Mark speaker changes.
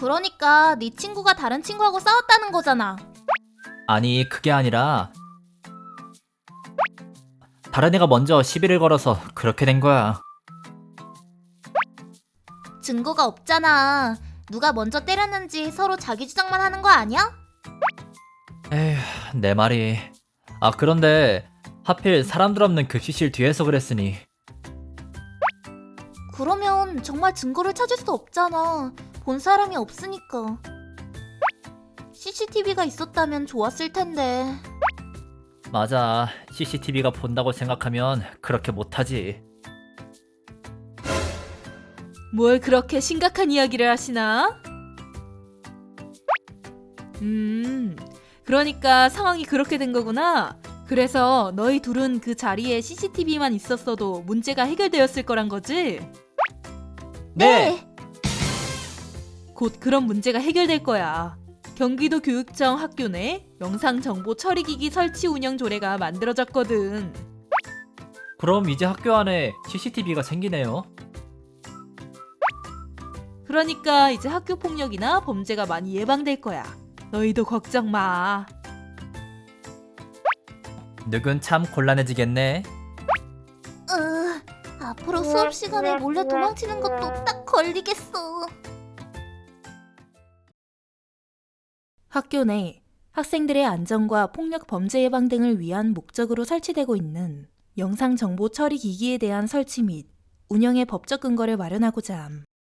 Speaker 1: 그러니까 네 친구가 다른 친구하고 싸웠다는 거잖아.
Speaker 2: 아니, 그게 아니라 다른 애가 먼저 시비를 걸어서 그렇게 된 거야.
Speaker 1: 증거가 없잖아. 누가 먼저 때렸는지 서로 자기 주장만 하는 거 아니야?
Speaker 2: 에휴, 내 말이. 아, 그런데 하필 사람들 없는 급식실 뒤에서 그랬으니.
Speaker 1: 그러면 정말 증거를 찾을 수 없잖아. 본 사람이 없으니까. CCTV가 있었다면 좋았을 텐데.
Speaker 2: 맞아, CCTV가 본다고 생각하면 그렇게 못하지.
Speaker 3: 뭘 그렇게 심각한 이야기를 하시나? 그러니까 상황이 그렇게 된 거구나. 그래서 너희 둘은 그 자리에 CCTV만 있었어도 문제가 해결되었을 거란 거지?
Speaker 2: 네!
Speaker 3: 곧 그런 문제가 해결될 거야. 경기도 교육청 학교 내 영상정보 처리기기 설치 운영 조례가 만들어졌거든.
Speaker 2: 그럼 이제 학교 안에 CCTV가 생기네요.
Speaker 3: 그러니까 이제 학교 폭력이나 범죄가 많이 예방될 거야. 너희도 걱정 마.
Speaker 2: 누군 참 곤란해지겠네.
Speaker 1: 앞으로 수업 시간에 몰래 도망치는 것도 딱 걸리겠어.
Speaker 3: 학교 내 학생들의 안전과 폭력 범죄 예방 등을 위한 목적으로 설치되고 있는 영상 정보 처리 기기에 대한 설치 및 운영의 법적 근거를 마련하고자 함.